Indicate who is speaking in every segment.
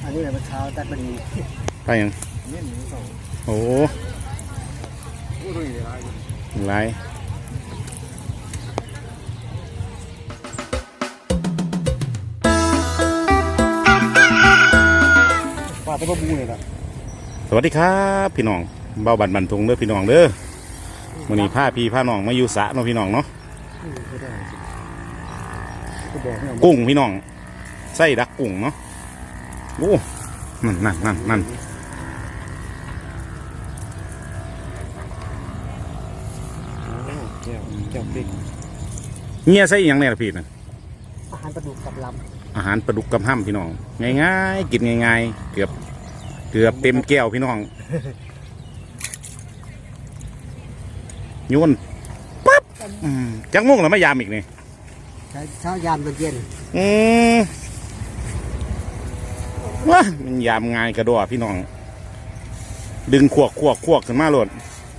Speaker 1: อันนี้แหละมันเช้าตัดมัน
Speaker 2: ไปยังโอ้หลาย
Speaker 1: ปลาตะบูเลยนะ
Speaker 2: สวัสดีครับพี่น้องเบาบันบันทงเด้อพี่น้องเด้อวันนี้ผ้าพี่ผ้าน้องมาอยู่สระเนาะพี่น้องเนาะกุ้งพี่น้องไส้ดักกุ้งเนาะโอ้นั่น
Speaker 1: แก้วพริก
Speaker 2: เงี้ยไส้ยังไงล่ะพี่นะ
Speaker 1: อาหารปลาดุกกับล
Speaker 2: ำอาหารปลาดุกกับห้ำพี่น้องง่ายๆกินง่ายๆเกือบเต็มแก้วพี่น้องโยนปั๊บจังมุ่งแล้วไม่ยามอีกนี่
Speaker 1: เช้ายามตอนเย็น
Speaker 2: ว้ามันยามง่ายกระโดดพี่น้องดึงขวกขึ้นมาโหลด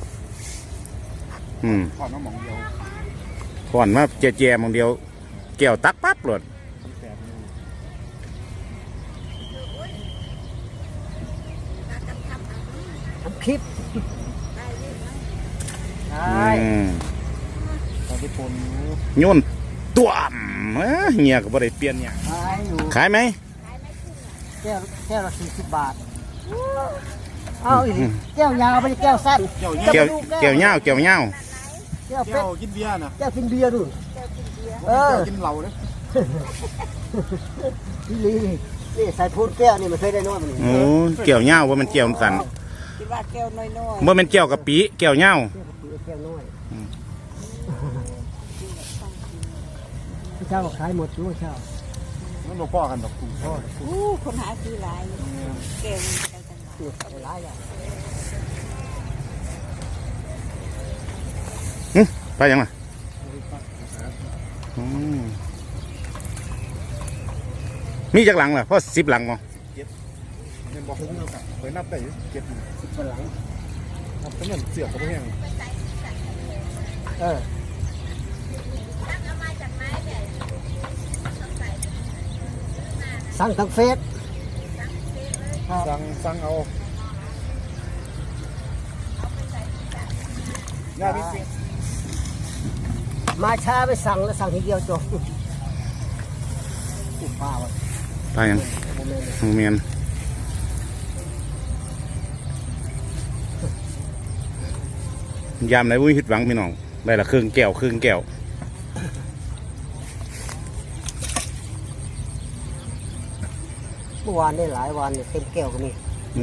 Speaker 1: ผ่อนมาหมองเดียว
Speaker 2: ผ่อนมาแจมองเดียวแก้วตักปั๊บโหลด
Speaker 1: ทำคลิปใช่ตอนที่ผม
Speaker 2: โยนตัวเงี้ยก็บ่ได้เปลี่ยนอย่างขายไหม
Speaker 1: แก้วละ40 บาทเอาอีกแก้วยาวไม่ใช่แก้วสั้น
Speaker 2: แก้วเงาแก้ว
Speaker 1: กินเบียร์นะแก้วกินเบียร์ดูแก้วกินเหล้าเลยนี่ใส่พูดแก้วนี่มันเคยได้น้อยมัน
Speaker 2: โอ้แก้วเงาว่ามันแก้วสั้น
Speaker 1: คิดว่าแก้วน้อย
Speaker 2: เมื่อมันแก้วกับปีแก้วเงา
Speaker 1: แก้วน้อยเช้าขายหมดด้วยเช้า
Speaker 3: มันบ่พอกันดอกกุ้งทอด
Speaker 4: คนหาซื้อหลายเก่ง
Speaker 1: หลายอย่าง
Speaker 2: ไปยังไงมีจากหลังเหรอเพราะ10 หลังมั้ง
Speaker 3: มันบอกไปนับได้10 หลังนับเป็นเงินเสือกเขาไม่แห้ง
Speaker 1: สั่งทางเฟซ
Speaker 3: สั่งเอา
Speaker 1: มาช้าไปสั่งแล้วสั่งทีเดียวจบป้าวะ
Speaker 2: ไปยังเมียนยามไหนวุ้ยหิดหวังพี่น้องได้ละครึ่งแก้ว
Speaker 1: เมื่อวานได้หลายวันเต็มแก้วก็มี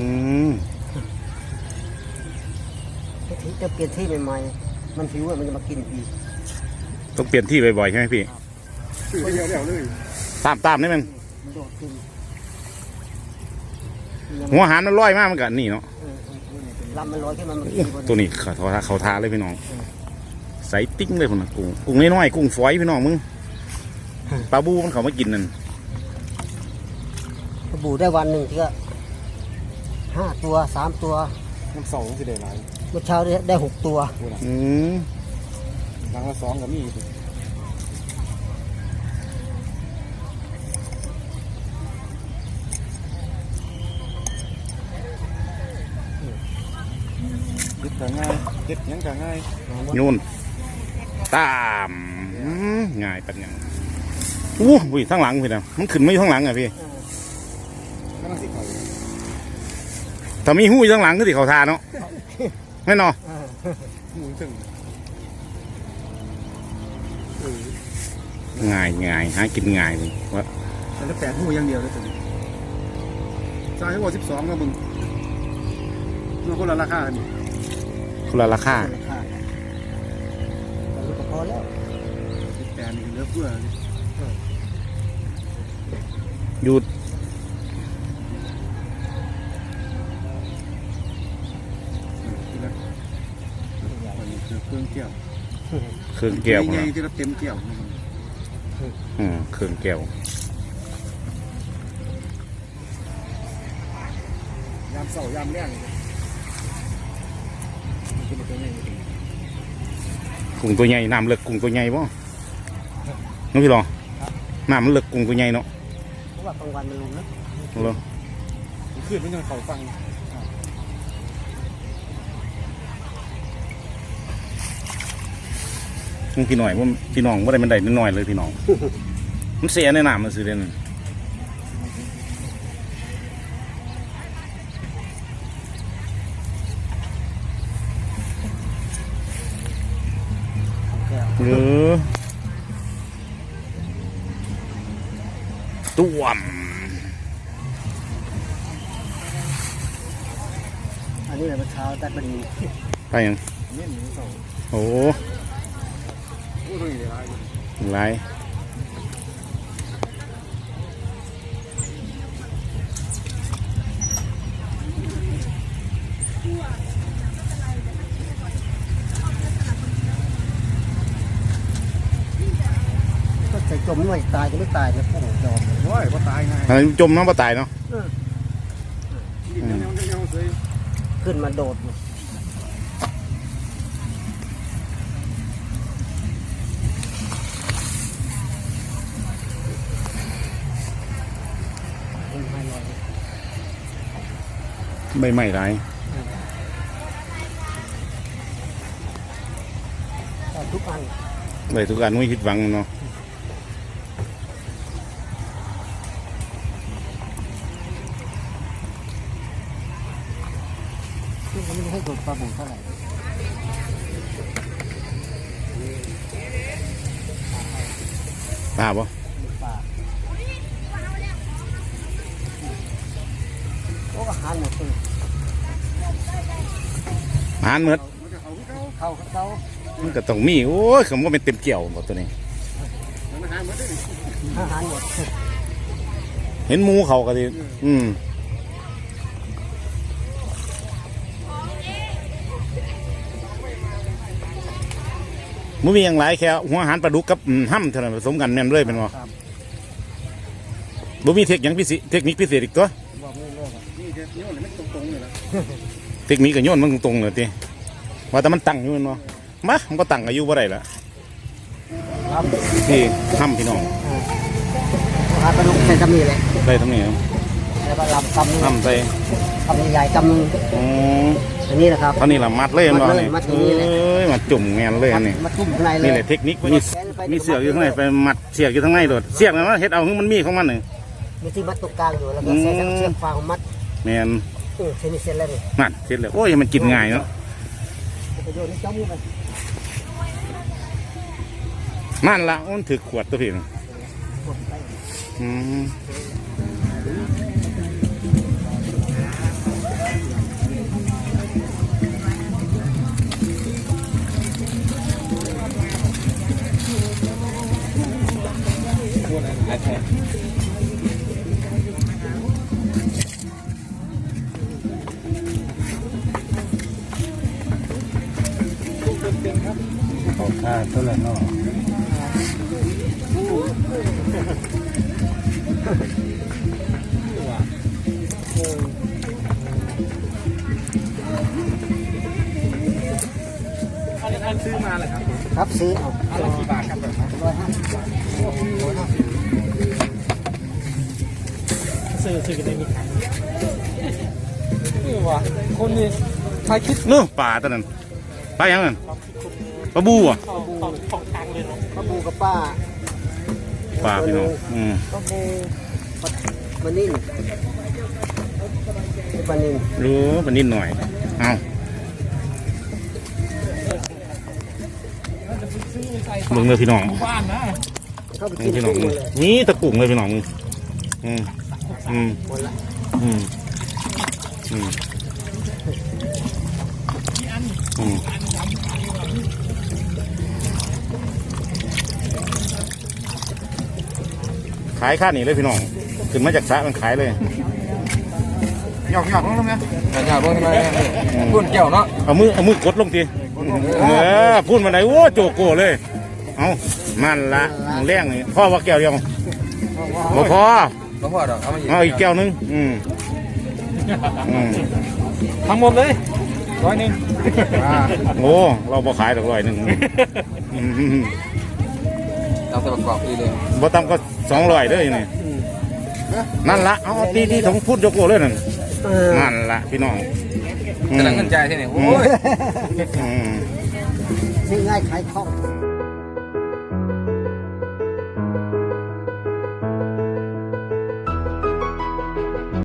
Speaker 1: จะเปลี่ยนที่ใหม่ๆมันหิวมันจะมากินอีก
Speaker 2: ต้องเปลี่ยนที่บ่อยๆใช่ไหมพี่
Speaker 3: เดี๋ยวเลย
Speaker 2: ตามนี่มันหัวหารมันลอยมากมันกันนี่เนาะ
Speaker 1: ลำมันลอยขึ้นมา
Speaker 2: ตัวนี้เขาทาเลยพี่น้องใส่ติ้งเลยคนน่ะกุ้งน้อยๆกุ้งฝอยพี่น้องมึงปลาบูมันเขามากินนั่น
Speaker 1: ปลาบูได้วันหนึ่งที่ก็5 ตัว 3 ตัว
Speaker 3: น้ำ2สิได้หลาย
Speaker 1: เมื่อเช้าได้6 ตัว
Speaker 3: หลังละ2ก็มีเด็ดง่ายเด็ดยังก็ง่าย
Speaker 2: โยนตามง่ายปัญญาอู้ยทั้งหลังพี่นะมันขึ้นไม่ทั้งหลังอ่ะพี่ถ้ามีหู้ทั้งหลังก็ติเขาทาเนาะไม่เนาะง่ายหากินง่ายเลยว่า
Speaker 3: แต่8 หูอย่างเดียวเลยตัวนี้จ่ายให้ว่า12แล้วมึงมันคนละราคานี่
Speaker 2: คนละราคา
Speaker 1: พอแล้ว
Speaker 3: 18นี่เหลือเฟือ
Speaker 2: หยุด
Speaker 3: เครื่องแก้ว
Speaker 2: ใหญ่
Speaker 3: ที่เราเต็มแก้ว
Speaker 2: เครื่องแก้วย
Speaker 3: ามเสาร์ยามแรง
Speaker 2: กุ้งตัวใหญ่น้ำเลือกกุ้งตัวใหญ่ป่ะน้องพี่รอน้ำมันเลือกกุ้งตัวใหญ่เนาะ
Speaker 1: เพราะว่ากลางวันมันลงนะ
Speaker 3: ขึ้นมันยังเขาฟัง
Speaker 2: พี่หน่อยว่าพี่น้องว่าได้มันได้นิดหน่อยเลยพี่น้อง มันเสียในน้ำมันสิเด่น
Speaker 1: แก้ว
Speaker 2: หรือต้วม
Speaker 1: อันนี้แหละเมื่อเช้าแต่เป็น
Speaker 2: ไปยัง
Speaker 3: เนี่ยหนึ่งสอง
Speaker 2: โอ้
Speaker 3: โอ้ตรงนี้ได้ไร
Speaker 2: หลาย
Speaker 1: ก็ใส่จมไม่ตายก็ไม่ตายเนี่ยพวกยอม
Speaker 3: โอ้ยว่าตายไง
Speaker 2: อันนี้จมน้ำปลาตายเนาะ
Speaker 3: ยังเลย
Speaker 1: ขึ้นมาโดดไม่ลอย
Speaker 2: ใบไม้หลาย
Speaker 1: ทุกอัน
Speaker 2: ใบทุกอันไม่ผิดหวังเนาะ
Speaker 1: ซึ่งเขาไม่ให้โดดปลาบูเท่าไหร่
Speaker 2: ปลาบ่
Speaker 1: ปลาโอ้อาหารหมดเลย
Speaker 2: อาหารเมือด
Speaker 1: เข้าเขา
Speaker 2: มันก็ต้องมีโอ้ยคำว่าเป็นเต็มเกี่ยวหมดตัวนี้
Speaker 1: อาหารหมด
Speaker 2: เห็นหมูเขาก็ดิมันมีอย่างไรแค่หัวอาหารปลาดุกกับห้ำเท่านั้นผสมกันแม่นเลยเป็นว่าบ่มีเทคนิคพิเศษอีกตัว
Speaker 1: บอกไม่เลิก
Speaker 3: นี่เดี๋ยวนี่มันตรงๆเลยนะ
Speaker 2: เทคนิคก็โยนมันตรงๆเลยทีว่าแต่มันตั้งอยู่แม่นบ่มามันก็ตั้งอายุบ่ได้ละ
Speaker 1: ครับ
Speaker 2: ที่ห้ำพี่น้อง
Speaker 1: อาหารปลาดุกใส่กำนี่เลย
Speaker 2: ได้ทั้งนี้
Speaker 1: แล้วก็ลำกำนึง
Speaker 2: ห้ำใส่
Speaker 1: กำใหญ่กำนึง
Speaker 2: อ๋อ
Speaker 1: อันนี้นะครับ
Speaker 2: เท่านี้ละมัดเลยแม่นบ่นี่
Speaker 1: มัดอย่างนี้เลย
Speaker 2: เอ้ยมัดจุ่มแม่นเลยอันนี้
Speaker 1: มาทุ่มข้างในเลย
Speaker 2: นี่แหละเทคนิคมีเสือกอยู่ข้างในไปมัดเสือกอยู่ข้างในโดดเสือกนั้นเฮ็ดเอาคือมันมีของมันหนึ่ง
Speaker 1: มีที่มัดตรงกลางอยู่แล้วก็ใส่เชือกฟางมัด
Speaker 2: แม่น
Speaker 1: เส้นนี้เส้นแล้วนี่
Speaker 2: นั่นเสร็จแล้วโอ้ยมันกินง่ายเนาะ
Speaker 1: ประโยชน์นี่เจ้ามือไป
Speaker 2: นั่นละมันถือขวดตัวพี่น่ะ
Speaker 1: กดไป
Speaker 2: อืมขอค่าเท่าไหร่เนาะ
Speaker 3: อันซื้อมาเลยครับ
Speaker 1: ครับซื้อเอา
Speaker 3: อันละกี่บาทครับแบบ
Speaker 1: 150 บาทซื้อกันได้มีขาย
Speaker 3: นี่วะคนนี้ใครคิด
Speaker 2: เนาะปลาตัวนั้นปลาอย่างนั้นปลาบูอ่ะ
Speaker 1: ของทางเลยนะป้าบูกับป้า
Speaker 2: ปลาพี่น้อง
Speaker 1: ป้าบูปลานิ่มปลานิ่ม
Speaker 2: รู้มันนิดหน่อยเอาเบิ่งเลยพี่น้อง
Speaker 3: บ้านนะ
Speaker 1: เข้าไป
Speaker 2: นี่
Speaker 1: กิน
Speaker 2: พี่น้อง
Speaker 1: กุ้งเลย
Speaker 2: นี่ตะกุ่งเลยพี่น้องอืมอืม
Speaker 1: หมดละ
Speaker 2: อืมอืมอืมขายค่านี่เลยพี่น้องขึ้นมาจากสระมันขายเลย
Speaker 3: หยอกลงทำไมหยอกลงทำไมพูดเกี่ยวเนาะ
Speaker 2: เอามือกดลงทีพูดมาไหนโอ้โจโก้เลยเอามันละแรงนี่พ่อว่าแก้วเดียวบ่พอ
Speaker 3: ก็พอดอกเอามาอีก
Speaker 2: เอาอีกแก้วนึง
Speaker 3: ทั้งหมดเลย100
Speaker 2: โอ้เราบ่ขายดอก100
Speaker 3: เอาแต่ประกอบดีเลย
Speaker 2: บ่ต่ำก็200เด้อนี่นั่นละเอาตีที่ของพูดโจโก้เลยนั่นมันละพี่น้อง
Speaker 3: กำลังเงินใจใช่ไหมโอ้ย
Speaker 2: อืม
Speaker 1: ซื้อง่ายขายคล่อง